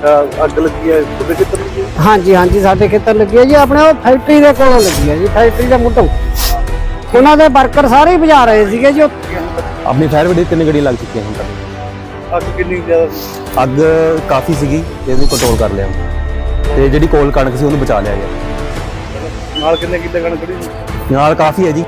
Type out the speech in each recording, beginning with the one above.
ਅੱਗ ਲੱਗੀ ਹੈ ਤੁਹਾਡੇ ਖੇਤਰ ਲੱਗੀ? ਹਾਂਜੀ ਹਾਂਜੀ, ਸਾਡੇ ਖੇਤਰ ਲੱਗੀ ਹੈ ਜੀ। ਆਪਣੇ ਉਹ ਫੈਕਟਰੀ ਦੇ ਕੋਲੋਂ ਲੱਗੀ ਹੈ ਜੀ, ਫੈਕਟਰੀ ਦੇ ਮੁੱਢੋਂ। ਉਹਨਾਂ ਦੇ ਵਰਕਰ ਸਾਰੇ ਹੀ ਬੁਝਾ ਰਹੇ ਸੀਗੇ ਜੀ। ਆਪਣੀ ਫਾਇਰ ਬ੍ਰਿਗੇਡ 3 ਗੱਡੀਆਂ ਲੱਗ ਚੁੱਕੀਆਂ ਹੁਣ ਤੱਕ। ਅੱਗ ਕਿੰਨੀ ਜ਼ਿਆਦਾ ਸੀ? ਅੱਗ ਕਾਫੀ ਸੀਗੀ ਤੇ ਇਹਨੂੰ ਕੰਟਰੋਲ ਕਰ ਲਿਆ ਤੇ ਜਿਹੜੀ ਕੋਲ ਕਣਕ ਸੀ ਉਹਨੂੰ ਬਚਾ ਲਿਆ ਗਿਆ। ਨਾਲ ਕਿੰਨੇ ਕਿੱਲੇ ਕਣਕ ਖੜੀ ਸੀ? ਨਾਲ ਕਾਫੀ ਹੈ ਜੀ।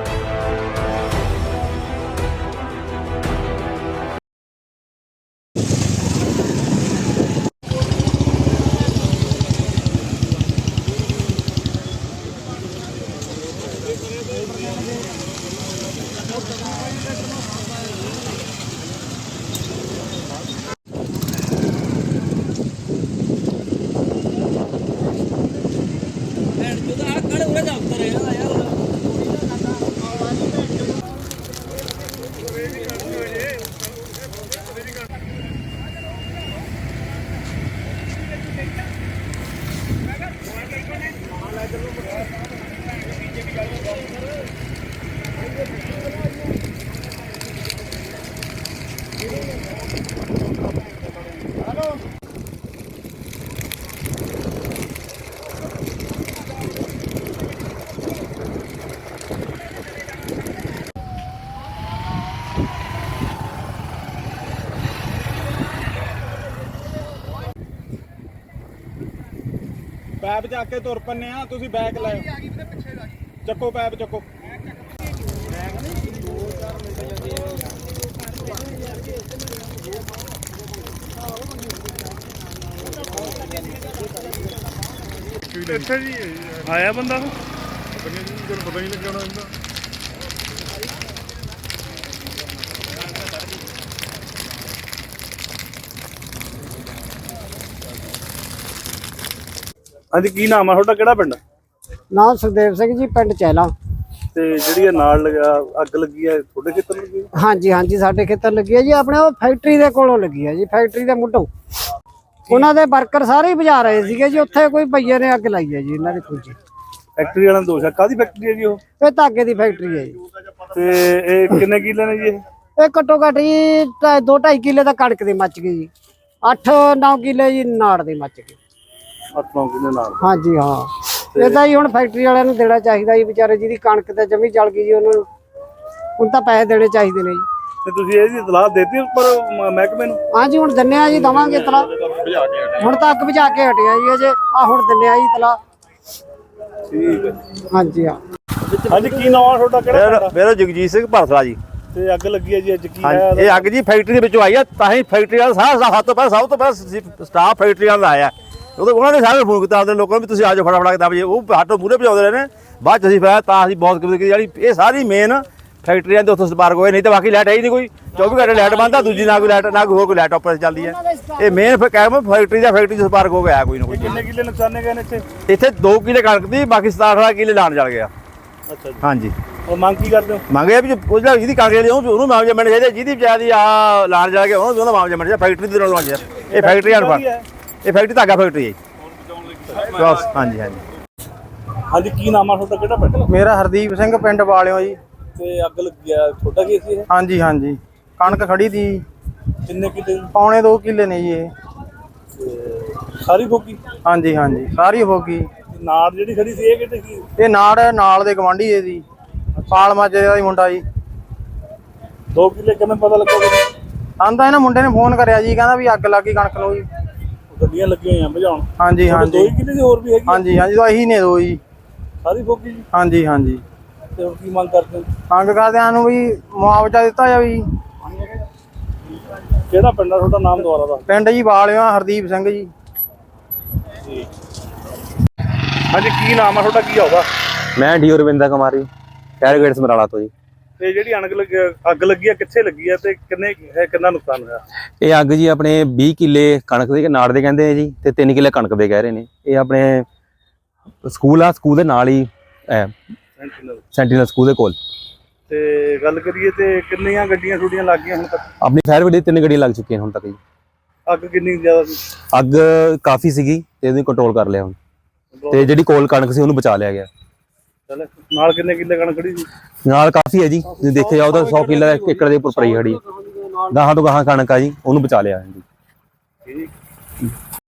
ਪੈਪ ਚੱਕ ਕੇ ਤੁਰ ਪੰਨੇ ਆ। ਤੁਸੀਂ ਬੈਗ ਲਾਓ, ਚੱਕੋ ਪੈਪ ਚੱਕੋ। ਇੱਥੇ ਜੀ ਆਇਆ ਬੰਦਾ ਪਤਾ ਨਹੀਂ ਲੱਗਣਾ ਹੁੰਦਾ। ਹਾਂਜੀ, ਕੀ ਨਾਮ ਆ ਤੁਹਾਡਾ? ਕਿਹੜਾ ਪਿੰਡ? ਨਾਮ ਸੁਖਦੇਵ ਸਿੰਘ ਜੀ, ਪਿੰਡ ਚੈਲਾ। ਤੇ ਜਿਹੜੀ ਇਹ ਨਾਲ ਲਗਾ ਅੱਗ ਲੱਗੀ ਹੈ ਤੁਹਾਡੇ ਖੇਤਰ ਲੱਗੀ? ਹਾਂਜੀ ਹਾਂਜੀ, ਸਾਡੇ ਖੇਤਰ ਲੱਗੀ ਹੈ ਜੀ। ਆਪਣੇ ਉਹ ਫੈਕਟਰੀ ਦੇ ਕੋਲੋਂ ਲੱਗੀ ਹੈ ਜੀ, ਫੈਕਟਰੀ ਦੇ ਮੁੱਢੋਂ। ਉਹਨਾਂ ਦੇ ਵਰਕਰ ਸਾਰੇ ਹੀ ਬੁਝਾ ਰਹੇ ਸੀਗੇ ਜੀ। ਉੱਥੇ ਕੋਈ ਭਈਏ ਨੇ ਅੱਗ ਲਾਈ ਹੈ ਜੀ ਇਹਨਾਂ ਦੀ ਖੁੱਜੀ। ਫੈਕਟਰੀ ਵਾਲਾ ਦੋਸ਼ ਹੈ? ਕਾਹਦੀ ਫੈਕਟਰੀ ਹੈ ਜੀ ਉਹ? ਇਹ ਧਾਗੇ ਦੀ ਫੈਕਟਰੀ ਹੈ ਜੀ। ਤੇ ਇਹ ਕਿੰਨੇ ਕਿੱਲੇ ਨੇ ਜੀ ਇਹ? ਇਹ ਘੱਟੋ ਘੱਟ ਜੀ 2-2.5 ਕਿੱਲੇ ਤਾਂ ਕਣਕ ਦੀ ਮੱਚ ਗਈ ਜੀ। 8-9 ਕਿੱਲੇ ਜੀ ਨਾੜ ਦੀ ਮੱਚ ਗਈ। 8-9 ਕਿੱਲੇ ਨਾਲ? ਹਾਂਜੀ ਹਾਂ। ਇਹ ਤਾਂ ਜੀ ਹੁਣ ਫੈਕਟਰੀ ਵਾਲਿਆਂ ਨੂੰ ਦੇਣਾ ਚਾਹੀਦਾ ਜੀ, ਵਿਚਾਰੇ ਜਿਹਦੀ ਕਣਕ ਤੇ ਜਮੀ ਜਲ ਗਈ ਜੀ। ਉਹਨਾਂ ਨੂੰ ਹੁਣ ਤਾਂ ਪੈਸੇ ਦੇਣੇ ਚਾਹੀਦੇ ਨੇ ਜੀ। ਤੇ ਤੁਸੀਂ ਇਹਦੀ ਇਤਲਾਹ ਦੇਤੀ ਉੱਪਰ ਮਹਿਕਮੇ ਨੂੰ? ਹਾਂਜੀ, ਹੁਣ ਦਿੰਨੇ ਆ ਜੀ, ਦਵਾਂਗੇ ਇਤਲਾਹ। ਹੁਣ ਤਾਂ ਅੱਗ ਬੁਝਾ ਕੇ ਹਟਿਆ ਜੀ ਅਜੇ। ਹੁਣ ਦਿੰਨੇ ਆ ਜੀ ਇਤਲਾਹ। ਠੀਕ ਹੈ। ਹਾਂਜੀ ਹਾਂ। ਹਾਂਜੀ, ਕੀ ਨਾਮ ਆ ਤੁਹਾਡਾ? ਕਿਹੜਾ? ਮੇਰਾ ਜਗਜੀਤ ਸਿੰਘ ਭਰਸਲਾ ਜੀ। ਤੇ ਅੱਗ ਲੱਗੀ ਹੈ ਜੀ, ਅੱਜ ਕੀ ਹੈ? ਇਹ ਅੱਗ ਜੀ ਫੈਕਟਰੀ ਦੇ ਵਿੱਚੋਂ ਆਈ ਆ। ਤਾਂ ਹੀ ਫੈਕਟਰੀ ਵਾਲਾ ਸਭ ਤੋਂ ਪਹਿਲਾਂ ਸਟਾਫ ਫੈਕਟਰੀ ਵਾਲਾ ਆਇਆ। ਉਹਨਾਂ ਨੇ ਸਾਰੇ ਫੋਨ ਕੀਤਾ ਆਪਣੇ ਲੋਕਾਂ ਨੂੰ ਵੀ ਤੁਸੀਂ ਆ ਜਾਓ ਫਟਾਫਟ ਕੇ 10 ਵਜੇ। ਉਹ ਹੱਟੋਂ ਮੂਹਰੇ ਭਜਾਉਂਦੇ ਰਹੇ ਨੇ। ਬਾਅਦ ਚ ਅਸੀਂ ਫਿਰ ਤਾਂ ਅਸੀਂ ਬਹੁਤ ਜਿਹੜੀ ਇਹ ਸਾਰੀ ਮੇਨ ਫੈਕਟਰੀਆਂ ਦੇ ਉੱਥੋਂ ਸਪਾਰਕ ਹੋਏ। ਨਹੀਂ ਤਾਂ ਬਾਕੀ ਲਾਈਟ ਹੈ ਹੀ ਨਹੀਂ ਕੋਈ। 24 ਘੰਟੇ ਲਾਈਟ ਬੰਦ ਆ, ਦੂਜੀ ਨਾ ਕੋਈ ਲਾਈਟ ਨਾ ਕੋਈ ਹੋਰ ਕੋਈ ਲਾਈਟ ਆਪਰੇਟ ਚੱਲਦੀ ਹੈ। ਇਹ ਮੇਨ ਕਹਿ ਫੈਕਟਰੀ ਦਾ ਫੈਕਟਰੀ 'ਚ ਸਪਾਰਕ ਹੋ ਗਿਆ ਕੋਈ ਨਾ ਕੋਈ। ਕਿੰਨੇ ਕਿੱਲੇ ਨੁਕਸਾਨੇ ਗਏ ਨੇ ਇੱਥੇ? ਇੱਥੇ 2 ਕਿੱਲੇ ਕਣਕ ਦੀ, ਬਾਕੀ 17-18 ਕਿੱਲੇ ਲਾਣ ਚੱਲ ਗਿਆ। ਅੱਛਾ ਜੀ। ਹਾਂਜੀ। ਉਹ ਮੰਗ ਕੀ ਕਰਦੇ ਹੋ? ਮੰਗਿਆ ਵੀ ਉਹਦਾ ਜਿਹਦੀ ਕਣਕ ਦੀ ਉਹਨੂੰ ਮੁਆਵਜ਼ਾ ਮਿਲਣਾ ਚਾਹੀਦਾ। ਜਿਹਦੀ ਵਿਚਾਰੀ ਆ ਲਾਣ ਚੱਲ ਗਿਆ ਉਹਦਾ ਮੁਆਵਜ਼ਾ ਮਿਲਣਾ ਚਾਹੀਦਾ। ਫੈਕਟਰੀ ਦੇ ਨਾਲ ਮੁਆਵਜ਼ਾ। ਇਹ ਫੈਕਟਰੀ ਅਨਫਰ, ਇਹ ਫੈਕਟਰੀ ਧਾਗਾ ਫੈਕਟਰੀ ਹੈ। ਹਾਂਜੀ ਹਾਂਜੀ। ਹਾਂਜੀ, ਕੀ ਨਾਮ ਆ ਤੁਹਾਡਾ? ਕਿਹੜਾ ਪਿੰਡ? ਮੇਰਾ ਹਰਦੀਪ ਸਿੰਘ, ਪਿੰਡ ਵਾਲਿਓ ਜੀ। ਤੇ ਅੱਗ ਲੱਗੀ ਆ, ਤੁਹਾਡਾ ਕੀ ਸੀ ਇਹ? ਹਾਂਜੀ ਹਾਂਜੀ, ਕਣਕ ਖੜੀ ਤੀ। ਕਿੰਨੇ ਕਿੱਲੇ? ਪੌਣੇ 2 ਕਿੱਲੇ ਨੇ ਜੀ ਇਹ। ਸਾਰੀ ਫੋਕੀ? ਹਾਂਜੀ ਹਾਂਜੀ, ਸਾਰੀ ਹੋ ਗਈ। ਨਾੜ ਜਿਹੜੀ ਖੜੀ ਸੀ ਇਹ ਕਿਤੇ ਸੀ? ਇਹ ਨਾਲ ਦੇ ਗਵਾਂਢੀ ਦੇ ਸੀ, ਪਾਲ ਮਾਜਰੇ ਦਾ ਹੀ ਮੁੰਡਾ ਜੀ। 2 ਕਿੱਲੇ ਕਿਵੇਂ ਪਤਾ ਲੱਗਾ? ਆਂਦਾ ਇਹਨਾਂ ਮੁੰਡੇ ਨੇ ਫੋਨ ਕਰਿਆ ਜੀ, ਕਹਿੰਦਾ ਵੀ ਅੱਗ ਲੱਗ ਗਈ ਕਣਕ ਨੂੰ ਜੀ। ਗੱਡੀਆਂ ਲੱਗੀਆਂ ਹੋਈਆਂ ਬੁਝਾਉਣ? ਹਾਂਜੀ ਹਾਂਜੀ। 2 ਕਿੱਲੇ ਦੀ ਹੋਰ ਵੀ ਹੈਗੀ? ਹਾਂਜੀ ਹਾਂਜੀ, ਤਾਂ ਇਹੀ ਨੇ 2 ਜੀ। ਸਾਰੀ ਫੋਕੀ ਜੀ? ਹਾਂਜੀ ਹਾਂਜੀ। ਤੇ ਹੁਣ ਕੀ ਮੰਗ ਕਰਦੇ ਹੋ? ਮੰਗ ਕਰਦਿਆਂ ਨੂੰ ਵੀ ਮੁਆਵਜ਼ਾ ਦਿੱਤਾ ਜਾਵੇ ਜੀ। ਕਿਹੜਾ ਪਿੰਡ ਆ ਤੁਹਾਡਾ? ਨਾਮ ਦੁਆਰਾ ਦਾ? ਪਿੰਡ ਜੀ ਵਾਲਿਓ, ਹਰਦੀਪ ਸਿੰਘ ਜੀ। ਹਾਂਜੀ, ਕੀ ਨਾਮ ਆ ਤੁਹਾਡਾ? ਕੀ ਆਉਗਾ? ਮੈਂ D Ravinder Kumari, fire brigade Samrala ਤੋਂ ਜੀ। ਤੇ ਜਿਹੜੀ ਅੱਗ ਲੱਗੀ ਆ ਕਿੱਥੇ ਲੱਗੀ ਆ ਤੇ ਕਿੰਨਾ ਨੁਕਸਾਨ ਹੋਇਆ? ਇਹ ਅੱਗ ਜੀ ਆਪਣੇ 20 ਕਿੱਲੇ ਕਣਕ ਦੇ ਨਾੜ ਦੇ ਕਹਿੰਦੇ ਆ ਜੀ, ਤੇ 3 ਕਿੱਲੇ ਕਣਕ ਦੇ ਕਹਿ ਰਹੇ ਨੇ। ਇਹ ਆਪਣੇ ਸਕੂਲ ਆ, ਸਕੂਲ ਦੇ ਨਾਲ ਹੀ ਸੈਂਟੀਨਲ ਸਕੂਲ ਦੇ ਕੋਲ। ਤੇ ਗੱਲ ਕਰੀਏ ਤੇ ਕਿੰਨੀਆਂ ਗੱਡੀਆਂ ਛੁੱਟੀਆਂ ਲੱਗ ਗਈਆਂ ਹੁਣ ਤੱਕ? ਆਪਣੀ ਫਾਇਰ ਬ੍ਰਿਗੇਡ 3 ਗੱਡੀਆਂ ਲੱਗ ਚੁੱਕੀਆਂ ਹੁਣ ਤੱਕ ਜੀ। ਅੱਗ ਕਿੰਨੀ ਜ਼ਿਆਦਾ ਸੀ? ਅੱਗ ਕਾਫੀ ਸੀਗੀ ਤੇ ਇਹਨੂੰ ਕੰਟਰੋਲ ਕਰ ਲਿਆ ਹੁਣ। ਤੇ ਜਿਹੜੀ ਕੋਲ ਕਣਕ ਸੀ ਉਹਨੂੰ ਬਚਾ ਲਿਆ ਗਿਆ। ਚਲ ਨਾਲ ਕਿੰਨੇ ਕਿੱਲੇ ਕਣਕ ਖੜੀ ਸੀ? ਨਾਲ ਕਾਫੀ ਹੈ ਜੀ, ਤੁਸੀਂ ਦੇਖਿਆ ਜਾਓ ਤਾਂ 100 ਕਿੱਲਾ 1 ਏਕੜ ਦੇ ਉੱਪਰ ਪਈ ਖੜੀ। ਗਾਹਾਂ ਤੋਂ ਗਾਹਾਂ ਕਣਕ ਆ ਜੀ, ਉਹਨੂੰ ਬਚਾ ਲਿਆ ਜੀ।